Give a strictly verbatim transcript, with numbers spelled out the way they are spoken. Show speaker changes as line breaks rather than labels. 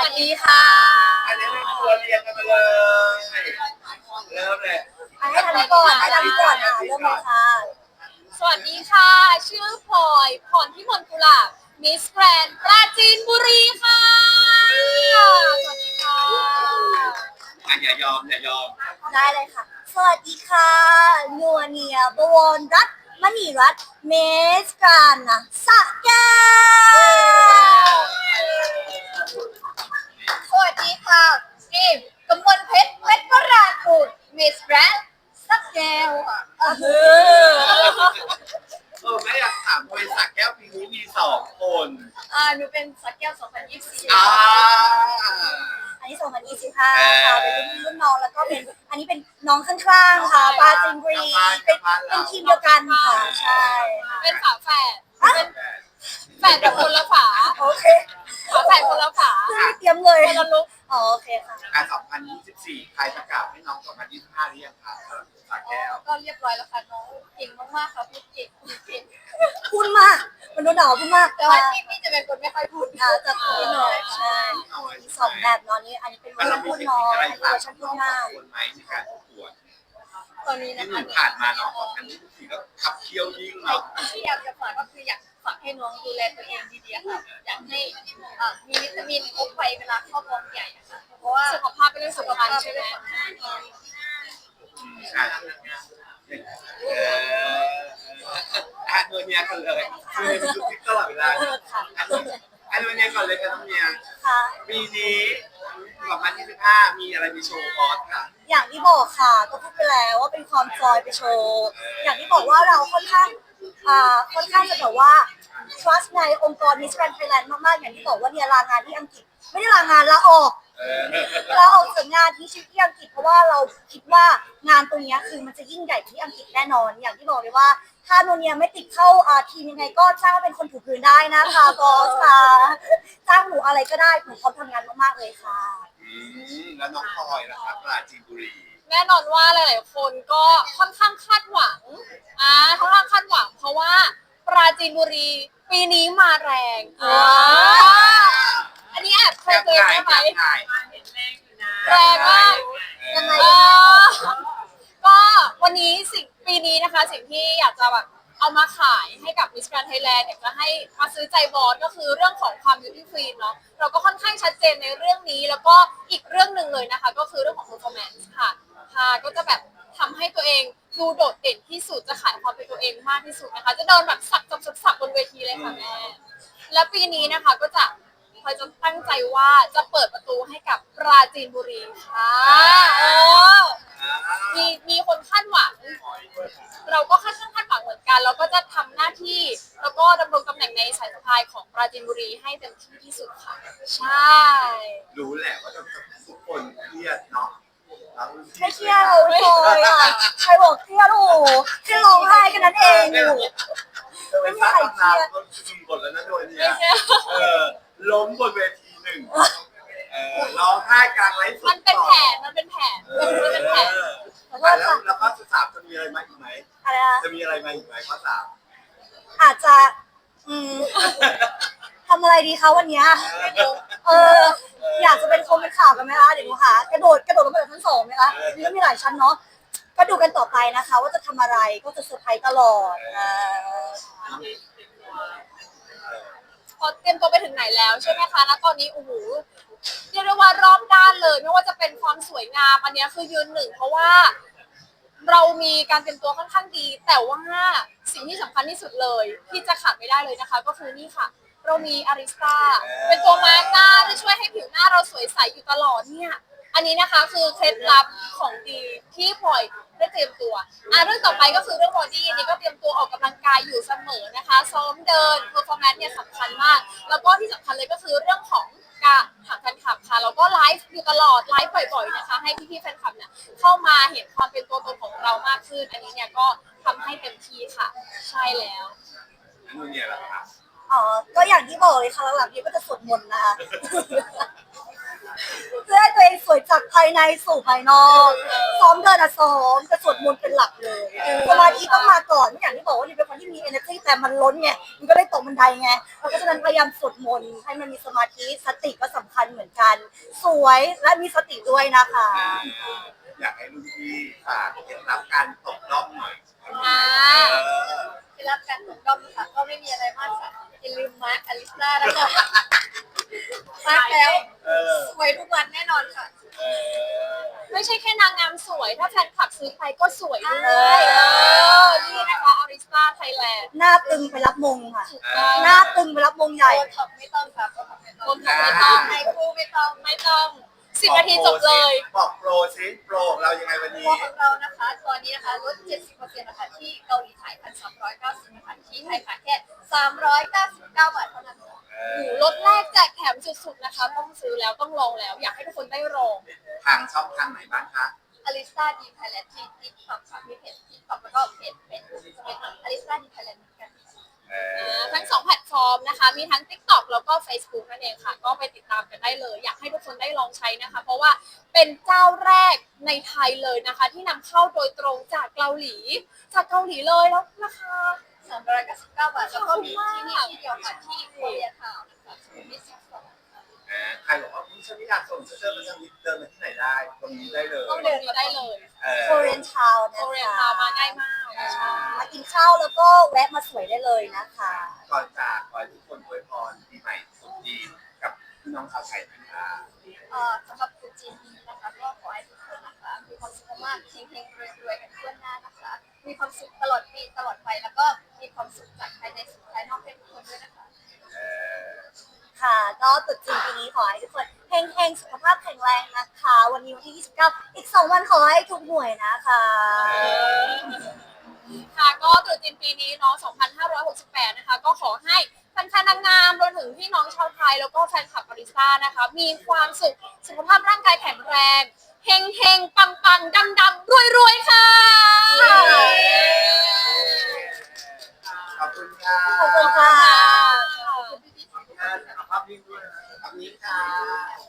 วัสดีค่ะ
อันนี้เป็นตัวเรียนกันมาเลย เริ่มเลย
ให้ทำก่อนให้ทำก่อนอ่ะเริ่มเลยค่ะ
สวัสดีค่ะชื่อพลอยพรพิมลกุลาบมิสแกรนด์ปราจีนบุรีค่ะสวัสดีค่ะ
อ่ะอย่ายอมอย่ายอม
ได้เลยค่ะสวัสดีค่ะนัวเนียบวรรัตน์มณีรัตน์เมสกานะสะแก้ว
สวัสดีค่ะกิมกมลเพชรเพชรวรากุลมิสแกรนด์สักแก้วค่ะ
เออ
เออแม่อยากถามบริษัทแก้วปีนี้มีสองคน
อ่าหนูเป็นสักแก้วสองพันยี่สิบสี่
อ่า
อันนี้สองพันยี่สิบห้าค่ะเป็นรุ่นรุ่นน้องแล้วก็เป็นอันนี้เป็นน้องข้างๆค่ะปราจีนบุรีเป็นเป็นทีมเดียวกันค่ะใช่ค่ะ
เป็นฝาแฝดเป็นแฝดแบบคนละฝา
โอเค
ฝาแฝดคนละฝา
ไม่เตรียมเลย
คนละลุก
อ๋อโอเคค่ะ
อ่ะสองพันยี่สิบสี่ใครประกาศให้น้องสองพันยี่สิบห้าหรือยังคะสาแก้ว
ก็เรียบร้อยแล้วค่ะน้องเก่งมากๆค่ะพูดเก่งพูดเก่ง
พูดมากมันโดนด่าพูดมาก
แต่ว่าพี่พี่จะเป็นคนไม่ค่อยพูด
อ่าจะพูดหน่อยใช่มีสองแบบนอนนี้อันนี้เป็นเวอร์ชันพูดน้อยอันนี้เวอร์ชันพูดมาก
ควรไหมในการประกวด
ตอนนี้
ที่ห
นะคะ
นึ่งผ่านมาน้องสองพันยี่สิบสี่ก็ขับเคี่ยวยิ่งเนาะ
ที่อยากจะฝากก็คืออยากฝากให้น้องดูแลตัวเองดีๆค่ะอยากให้อ่ามีวิตามินครบไปเวลาเข้ากองใหญ่ค่ะเพราะว่าสุขภาพเป็นเรื่องสำคัญใช่ไหม
ใช่เอออันนี้กันเลยคือในทุกทิศตลอดเวลาอันนี้ก่อนเลยค่ะน้องเมียปีนี้สองพันยี่สิบห้ามีอะไรมีโชว์คอร์สค่ะ
อย่างที่บอกค่ะก็พูดไปแล้วว่าเป็นความจอยไปโชว์อย่างที่บอกว่าเราค่อนข้างอ่าค่อนข้างจะแบบว่า trust ในองค์กร Miss Grand Thailand มากๆอย่างที่บอกว่าเนี่ยลางานที่อังกฤษไม่ได้ลางานลาออกเราออกจากงานที่ชิปที่อังกฤษเพราะว่าเราคิดว่างานตรงนี้คือมันจะยิ่งใหญ่ที่อังกฤษแน่นอนอย่างที่บอกเลยว่าถ้าโนเนียไม่ติดเข้าทีมยังไงก็จ้างเป็นคนถูพื้นได้นะคะบอสค่ะจ้างหนูอะไรก็ได้หนูพร้อมทำงานมากๆเลยค่ะ
แล้วน้องพลอยนะครับปราจีนบุรี
แน่นอนว่าหลายๆคนก็ค่อนข้างคาดหวังอ่าค่อนข้างคาดหวังเพราะว่าปราจีนบุรีปีนี้มาแรงอ่าอันนี้แอบเคยเจอไหมแรงมาก
ยังไง
ก็วันนี้สิ่งปีนี้นะคะสิ่งที่อยากจะแบบเอามาขายให้กับ Miss Grand Thailand อยากจะให้มาซื้อใจบอสก็คือเรื่องของความ beauty queen เนาะเราก็ค่อนข้างชัดเจนในเรื่องนี้แล้วก็อีกเรื่องหนึ่งเลยนะคะก็คือเรื่องของ performance ค่ะค่ะก็จะแบบทำให้ตัวเองดูโดดเด่นที่สุดจะขายความเป็นตัวเองมากที่สุดนะคะจะเดินแบบสักสักสักบนเวทีเลยค่ะแม่และปีนี้นะคะก็จะพลอยจะตั้งใจว่าจะเปิดประตูให้กับปราจีนบุรีค่ะเออมีมีคนคาดหวังเราก็คาดคาดหวังเหมือนกันเราก็จะทำหน้าที่แล้วก็ดำรงตำแหน่งในสายสะพายของปราจีนบุรีให้เต็มที่ที่สุดค่ะใช่
รู้แหละว่าทุกคนเครียดเนาะ
ไม่เครียดเลยอ่ะใครบอกเครียดโอ้โหแค่ร้องไห้แค่นั้นเองอยู่
ไม่มีใครเครียดบทแล้วนะโดยเนี่ยเออล้มบนเวทีหนึ่งเออร้องไห้กลางไลฟ์สด
มันเป็นแผนมันเป็นแผนมันเป็นแผน
แล้วแล้วข้อสามจะมีอะไรมาอีกไหม
อะไรนะ
จะมีอะไรมาอีกไหมข้อสาม
อาจจะอืมทำอะไรดีคะวันนี้เอออยากจะเป็นคงเป็นข่าวกันไหมคะเดี๋ยวดูค่ะกระโดดกระโดดลงมาจากชั้นสองไหมคะนี่ก็มีหลายชั้นเนาะก็ดูกันต่อไปนะคะว่าจะทำอะไรก็จะเซอร์ไพรส์ตลอด
พอเตรียมตัวไปถึงไหนแล้วใช่ไหมคะณตอนนี้โอ้โหเรียกได้ว่ารอบด้านเลยไม่ว่าจะเป็นความสวยงามอันนี้คือยืนหนึ่งเพราะว่าเรามีการเตรียมตัวค่อนข้างดีแต่ว่าสิ่งที่สำคัญที่สุดเลยที่จะขาดไม่ได้เลยนะคะก็คือนี่ค่ะเรามีอาริสตาเป็นตัวมาร์กหน้าที่ช่วยให้ผิวหน้าเราสวยใสอยู่ตลอดเนี่ยอันนี้นะคะคือเคล็ดลับของดีที่พลอยได้เตรียมตัวอ่ะเรื่องต่อไปก็คือเรื่องบอดี้นี่ก็เตรียมตัวออกกำลังกายอยู่เสมอนะคะซ้อมเดิน performance เนี่ยสำคัญมากแล้วก็ที่สำคัญเลยก็คือเรื่องของการถามแฟนคลับค่ะแล้วก็ไลฟ์อยู่ตลอดไลฟ์บ่อยๆนะคะให้พี่ๆแฟนคลับเนี่ยเข้ามาเห็นความเป็นตัวตนของเรามากขึ้นอันนี้เนี่ยก็ทำให้เต็มที่ค่ะใช่แล้ว
นู่นเนี่ยแหละค่ะ
อ๋อก็อย่างที่บอกเลยค่ะหลังๆนี้ก็จะสวดมนต์นะคะเพื่อให้ตัวเองสวยจากภายในสู่ภายนอกซ้อมเดินอะซ้อมจะสวดมนต์เป็นหลักเลยสมาธิต้องมาก่อนอย่างที่บอกว่านี่เป็นคนที่มี energy แต่มันล้นไงมันก็เลยตกบันไดไงเพราะฉะนั้นพยายามสวดมนต์ให้มันมีสมาธิสติก็สำคัญเหมือนกันกัน สวยและมีสติด้วยนะคะ
อยากให้รุ่นพี่ฝากเคล็ดลับการตกรอบหน่อย
อ่า
เออ
ที่รับการตกรอบค่ะก็ไม่มีอะไรมากค่ะอย่าลืมมาร์คอลิสตานะคะมาร์คแล้ว
เออ
สวยทุกวันแน่นอนค่ะ
เออ
ไม่ใช่แค่นางงามสวย ถ้าแฟนคลับซื้อไปก็สวยด้ว
ใช่
ยเออนี่นะคะอาริสตาไทยแลนด์
หน้าตึงไปรับมงค่ะ
เออ
หน้าตึงไปรับมงใหญ่
โบท็อกไม่ต้องค่ะโบท็อกไม่ต้อง
โบท็อกไม่ต้อง
ไฮคูไม่ต้อง
ไม่ต้องสิบนาทีจบเลย
บอกโปรซิโปรของเรายังไงวัน
ตั
นี้
วของเรานะคะตอนนี้นะคะลด เจ็ดสิบเปอร์เซ็นต์ นะคะที่เกาหลีไทยพันสามร้อยเก้าสิบนะคะที่ไทยค่ะแค่สามร้อยเก้าสิบเก้าบาทเท่านั้นค่ะ
เอ
โอ้
อ
โหรถแรกแจกแถมสุดๆนะคะ ต้องซื้อแล้วต้องลองแล้ว อยากให้ทุกคนได้ลอง
ทางช่องทางไหนบ้างคะ
อลิสตาดีไทยแลนด์ที่ติ๊กต็อกค่ะมีเพจติ๊กต็อกแล้วก็เพจเป็นจะเป็นอลิสตาดีไทยแลนด์เหมือนกันค่ะ
เอ
อ่า
อ
ทั้งสองแพลตฟอร์มนะคะ มีทั้ง TikTok แล้วก็ Facebook นั่นเองค่ะ ก็ไปติดตามกันได้เลย อยากให้ทุกคนได้ลองใช้นะคะ เพราะว่าเป็นเจ้าแรกในไทยเลยนะคะ ที่นำเข้าโดยตรงจากเกาหลี จากเกาหลีเลยแล้วราคา
สามร้อยเก้าสิบเก้าบาทแล้วก็มีที่นี่ที่เดียวค่ะที่โคเรียทาวน์นะคะสุขุมวิทสิบสองค่ะ
เออใครบอกว่าคุณฉันไม่อยากส่งเสื้อมาสักนิดเดินมาที่ไหนได้ตรงนี้ได้เลย
ต้องเดินมาได้เลย
เออ
โคเรียนทาวน์
โค
นะ
เรียน
คะ
ทาวน์มาง่ายมากใช่
มากินข้าวแล้วก็แวะมาสวยได้เลยนะคะ
ก่อนจากขอให้ทุกคนอวยพรปีใหม่สงกรานต์กับพี่น้องชาวไทยนะคะ
เอ่อสำหรับตรุษจีนนี้นะคะก็ขอให้ทุกคนนะคะมีความสุขมากๆเฮงๆรวยๆกันทั่วหน้านะคะ มีความสุขตลอดปีตลอดไปแล้วก็มีความสุขจากภายในสู่ภายนอกให้ทุกคนด้วยนะคะ
เออ
ค่ะ ก็ตรุษจีนปีนี้ขอให้ทุกคนเฮงๆสุขภาพแข็งแรงนะคะ วันนี้วันที่ยี่สิบเก้าอีกสองวันขอให้ทุกหน่วยนะคะ
ค่ะก็ตรุษจีนปีนี้เนาะสองพันห้าร้อยหกสิบแปดนะคะ ก็ขอให้แฟนๆนางงามรวมถึงพี่น้องชาวไทยแล้วก็แฟนคลับบาริสต้านะคะ มีความสุขสุขภาพร่างกายแข็งแรงเฮงเฮงปังปังดำดำรวยรวยๆค่ะ
ขอบคุณค่ะ
ขอบคุณค่ะ
ขอบคุณค่ะภาพนี้ด้วยภาพนี้ค่ะ